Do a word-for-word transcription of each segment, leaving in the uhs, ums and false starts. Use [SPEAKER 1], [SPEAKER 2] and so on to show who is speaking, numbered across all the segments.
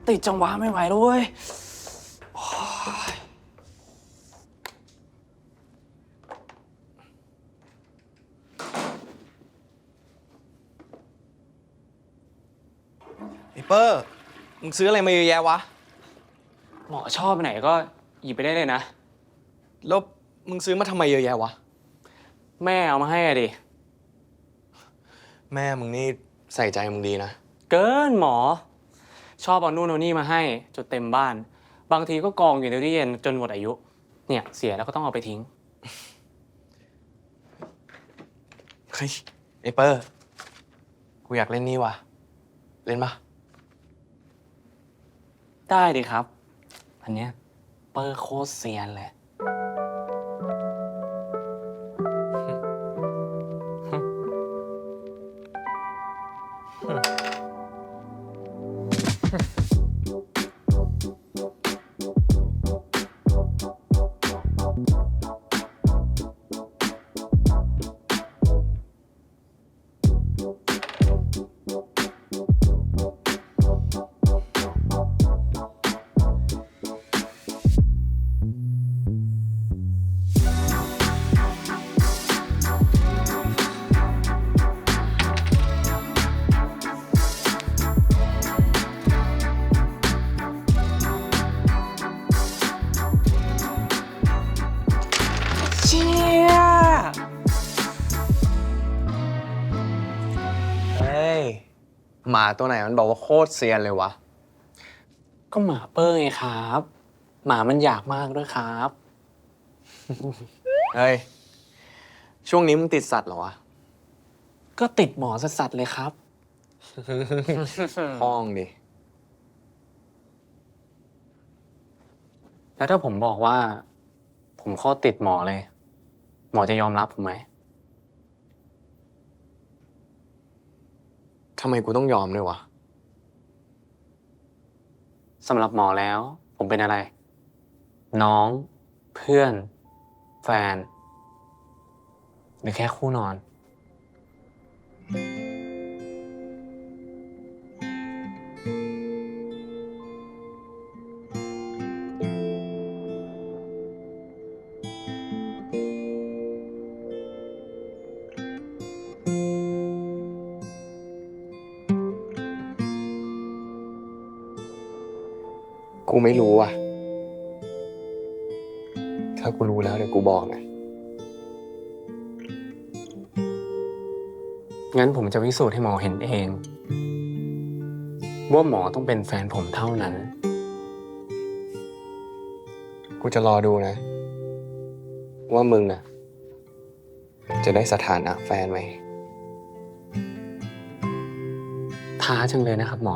[SPEAKER 1] ติดจังหวะไม่ไหวแล้วเว้ย
[SPEAKER 2] ไอ้เปอร์มึงซื้ออะไรมาเยอะแยะวะ
[SPEAKER 1] หมอชอบไหนก็หยิบไปได้เลยนะ
[SPEAKER 2] แล้วมึงซื้อมาทำไมเยอะแยะวะ
[SPEAKER 1] แม่เอามาให้อะดิ
[SPEAKER 2] แม่มึงนี่ใส่ใจมึงดีนะ
[SPEAKER 1] เกินหมอชอบเอานู่นเอานี่มาให้จนเต็มบ้านบางทีก็กองอยู่ในตู้เย็นจนหมดอายุเนี่ยเสียแล้วก็ต้องเอาไปทิ้ง
[SPEAKER 2] เฮ้ยไอ้เปอร์กูอยากเล่นนี่ว่ะเล่นปะ
[SPEAKER 1] ได้ดิครับอันเนี้ยเปอร์โคตรเซียนเลยเชี่ย
[SPEAKER 2] เฮ้ยหมาตัวไหนมันบอกว่าโคตรเซียนเลยวะ
[SPEAKER 1] ก็หมาเปอร์ไงครับหมามันอยากมากด้วยครับ
[SPEAKER 2] เฮ้ยช่วงนี้มึงติดสัตว์เหรอวะ
[SPEAKER 1] ก็ติดหมอสัสๆเลยครับ
[SPEAKER 2] ห้องดิ
[SPEAKER 1] แล้วถ้าผมบอกว่า ผมโคตรติดหมอเลย หมอจะยอมรับผมไหม
[SPEAKER 2] ทำไมกูต้องยอมด้วยวะ
[SPEAKER 1] สำหรับหมอแล้ว ผมเป็นอะไร น้อง เพื่อน แฟน หรือแค่คู่นอน
[SPEAKER 2] กูไม่รู้ว่ะถ้ากูรู้แล้วเดี๋ยวกูบอกนะ
[SPEAKER 1] งั้นผมจะพิสูจน์ให้หมอเห็นเอง ว่าหมอต้องเป็นแฟนผมเท่านั้น
[SPEAKER 2] กูจะรอดูนะ ว่ามึงนะจะได้สถานะแฟนไหม
[SPEAKER 1] ท้าจังเลยนะครับหมอ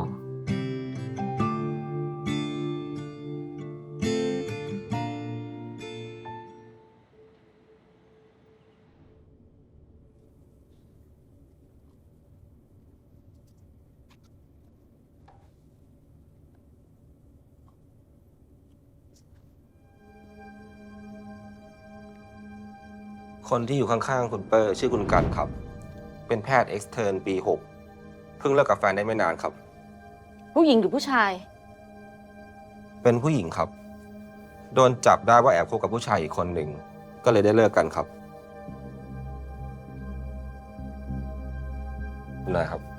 [SPEAKER 3] คนที่อยู่ข้างๆคุณเปอร์ชื่อคุณกันครับ เป็นแพทย์เอ็กซ์เทิร์นปีหกเพิ่งเลิกกับแฟนได้ไม่นานครับ
[SPEAKER 4] ผู้หญิงหรือผู้ชาย
[SPEAKER 3] เป็นผู้หญิงครับ โดนจับได้ว่าแอบคบกับผู้ชายอีกคนหนึ่ง ก็เลยได้เลิกกันครับคุณนายครับ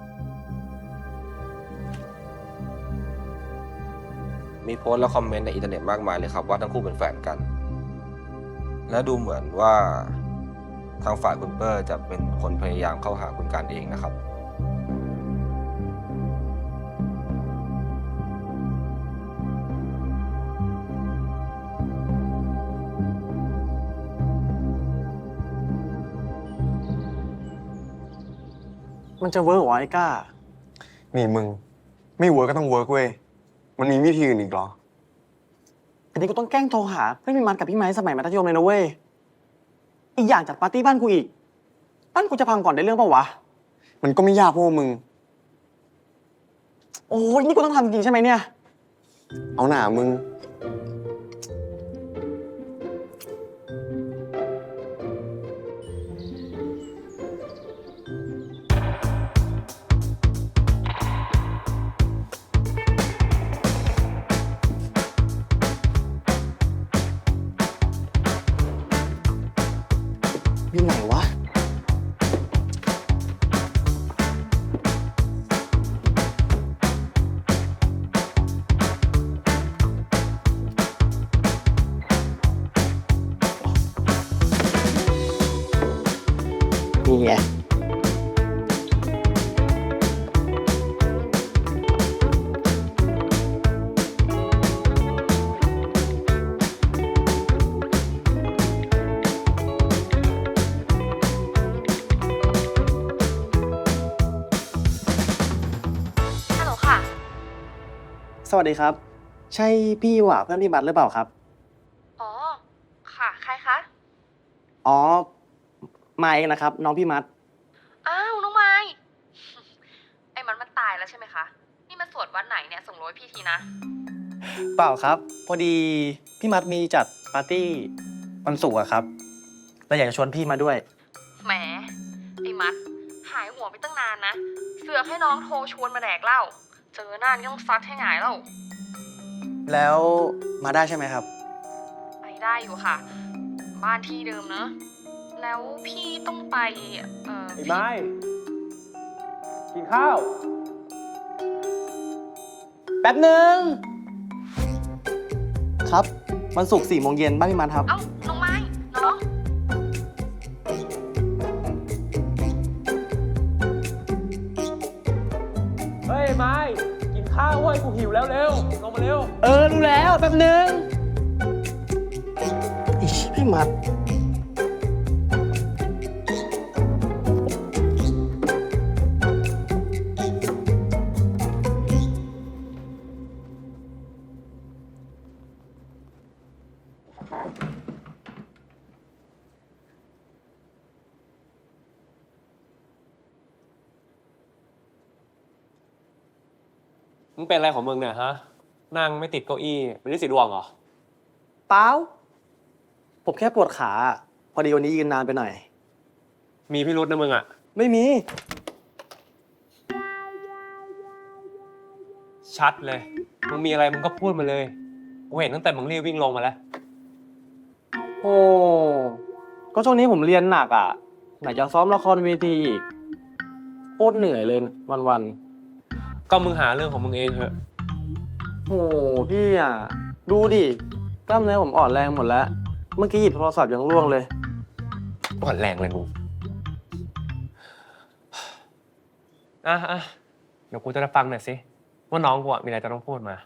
[SPEAKER 3] มีโพสต์และคอมเมนต์ในอินเทอร์เน็ตมากมายเลยครับว่าทั้งคู่เป็นแฟนกัน และดูเหมือนว่าทางฝ่ายคุณเปอร์จะเป็นคนพยายามเข้าหาคุณกันเองนะครับ
[SPEAKER 5] มันจะเวิร์กเหรอไอ้ก้า
[SPEAKER 6] นี่มึง ไม่เวิร์กก็ต้องเวิร์กเว้ย มันมีวิธีอื่นอีกเหรอ
[SPEAKER 5] อันนี้กูต้องแกล้งโทรหาเพื่อนพี่มันกับพี่ไม้สมัยมัธยมเลยนะเว้ย อีกอย่างจัดปาร์ตี้บ้านกูอีก บ้านกูจะพังก่อนได้เรื่องปะวะ
[SPEAKER 6] มันก็ไม่ยากพวกมึง
[SPEAKER 5] โอ้ยนี่กูต้องทำจริงใช่ไหมเนี่ย
[SPEAKER 6] เอาหน่ามึง
[SPEAKER 5] อยู่ไหนวะ นี่ไง
[SPEAKER 4] ฮัลโหลค่ะ
[SPEAKER 5] สวัสดีครับ ใช่พี่หว่าเพื่อนพี่บัตรหรือเปล่าครับ
[SPEAKER 4] อ๋อ ค่ะ ใครคะ
[SPEAKER 5] อ๋อมาเองนะครับ น้องพี่มัด
[SPEAKER 4] อ้าว น้องไม้ ไอ้มันมันตายแล้วใช่ไหมคะ นี่มันสวดวันไหนเนี่ย ส่งโรยพี่ทีนะ
[SPEAKER 5] เปล่าครับ พอดีพี่มัดมีจัดปาร์ตี้วันศุกร์อะครับแล้วอยากจะชวนพี่มาด้วย
[SPEAKER 4] แหม ไอ้มัด หายหัวไปตั้งนานนะ เสือกให้น้องโทรชวนมาแดกเหล้า เจอหน้านี่ต้องซัดให้หงายแล้ว
[SPEAKER 5] แล้วมาได้ใช่ไหมครับ
[SPEAKER 4] ไปได้อยู่ค่ะ บ้านที่เดิมเนอะ แล้วพี่ต้องไป เอ่อ
[SPEAKER 1] ไอ้ไม้กินข้าว
[SPEAKER 5] แป๊บหนึ่งครับวันศุกร์สี่โมงเย็นบ้านพี่มัดครับ
[SPEAKER 4] เอ้า น้องไม้ น้อง
[SPEAKER 1] เฮ้ยไม้กินข้าวเว้ยกูหิวแล้วเร็ว ลงมาเร็ว
[SPEAKER 5] เออรู้แล้วแป๊บหนึ่งอิชพี่มัด
[SPEAKER 1] มึงเป็นอะไรของมึงเนี่ยฮะ นั่งไม่ติดเก้าอี้เป็นลิสิดวงเหรอ
[SPEAKER 5] เปล่าผมแค่ปวดขา พอดีวันนี้ยืนนานไปหน่อย
[SPEAKER 1] มีพิรุษนะมึงอ่ะ
[SPEAKER 5] ไม่มี
[SPEAKER 1] ชัดเลย มึงมีอะไรมึงก็พูดมาเลย กูเห็นตั้งแต่มึงรีบวิ่งลงมาแล้ว
[SPEAKER 5] โอ้ก็ช่วงนี้ผมเรียนหนักอ่ะ ไหนจะซ้อมละครเวทีอีกโคตรเหนื่อยเลยวัน
[SPEAKER 1] ก็มึงหาเรื่องของมึงเองเถอะ
[SPEAKER 5] ๆโอ้พี่อ่ะ ดูดิกล้ามเนื้อผมอ่อนแรงหมดแล้ว เมื่อกี้หยิบโทรศัพท์ยังร่วงเลย
[SPEAKER 1] อ่อนแรงเลยมึงอ่ะอ่ะเดี๋ยวกูจะได้ฟังหน่อยสิ ว่าน้องกูอะมีอะไรจะต้องพูดมา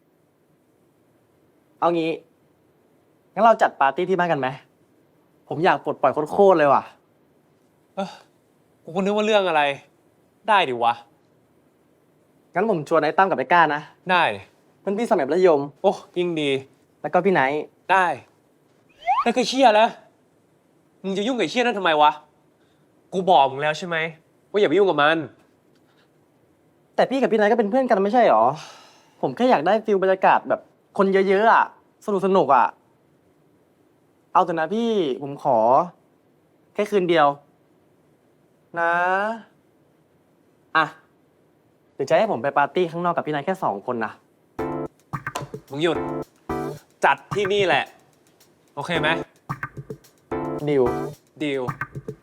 [SPEAKER 5] เอางี้ งั้นเราจัดปาร์ตี้ที่บ้านกันไหม ผมอยากปลดปล่อยโคตรๆเลยว่ะ
[SPEAKER 1] เออกูก็นึกว่าเรื่องอะไร ได้ดิวะ
[SPEAKER 5] งั้นผมชวนไอ้ตั้มกับไอ้ก้านะ
[SPEAKER 1] ได้
[SPEAKER 5] เพื่อนพี่สมัยมัธยม
[SPEAKER 1] โอ้ยิ่งดี
[SPEAKER 5] แล้วก็พี่ไนท์
[SPEAKER 1] ได้นั่นคือเชี่ยแล้ว มึงจะยุ่งกับไอ้เชี่ยนั่นทำไมวะ กูบอกมึงแล้วใช่ไหมว่าอย่าไปยุ่งกับมัน
[SPEAKER 5] แต่พี่กับพี่ไนท์ก็เป็นเพื่อนกันไม่ใช่หรอ ผมแค่อยากได้ฟิลบรรยากาศแบบคนเยอะๆอ่ะ สนุกสนุกๆอ่ะ เอาแต่นะพี่ผมขอ แค่คืนเดียว นะ อ่ะเดี๋ยวจะให้ผมไปปาร์ตี้ข้างนอกกับพี่ไนท์แค่สองคนนะ
[SPEAKER 1] มึงหยุด จัดที่นี่แหละ โอเคไหม
[SPEAKER 5] ดิว
[SPEAKER 1] ดีล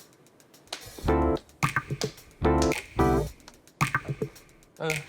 [SPEAKER 1] เออ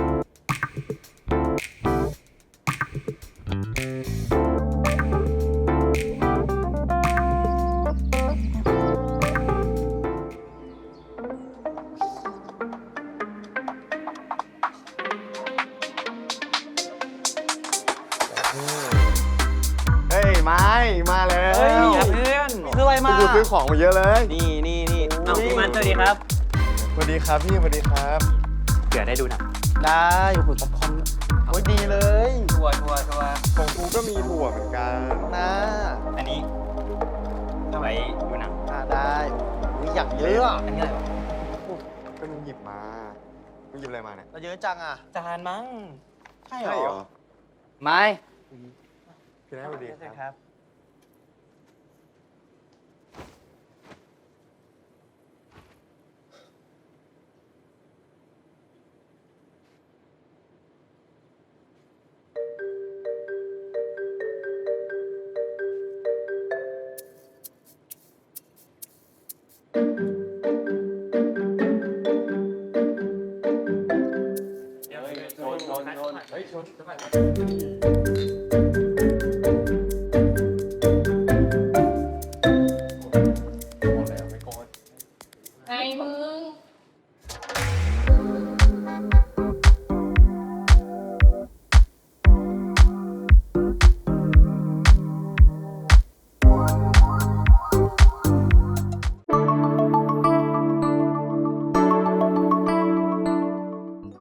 [SPEAKER 6] เฮ้ย ไม้ มาแล้ว
[SPEAKER 5] เฮ้ย
[SPEAKER 1] เพื่อน
[SPEAKER 5] คืออะไรมา
[SPEAKER 6] กูซื้อของมาเยอะเลย
[SPEAKER 5] นี่นี่นี่
[SPEAKER 1] เอาพี่มันสวัสดีครับ
[SPEAKER 6] สวัสดีครับพี่ สวัสดีครับ
[SPEAKER 1] เดี๋ยวได้ดูหนะ
[SPEAKER 5] ได้โอ้โหป๊อปคอร์นโอ้ยดีเลย
[SPEAKER 1] ทัวร์ทัวร์ทัวร์
[SPEAKER 6] ของกูก็มีถั่วเหมือนกัน
[SPEAKER 5] นะ
[SPEAKER 1] อันนี้ทำไมดูหนัง
[SPEAKER 5] อ่าได้อุ๊ยอยากเยอะอะ
[SPEAKER 1] อันนี้อะไรวะ
[SPEAKER 6] ก็มึงหยิบมา มึงหยิบอะไรมาเนี่ย
[SPEAKER 5] เราเยอะจังอ่ะ จานมั้ง ใช่เหร
[SPEAKER 6] ใช่เหร
[SPEAKER 5] อ
[SPEAKER 6] อ
[SPEAKER 5] ไม่
[SPEAKER 6] พี่นายสวัสดีครับ
[SPEAKER 5] ครับ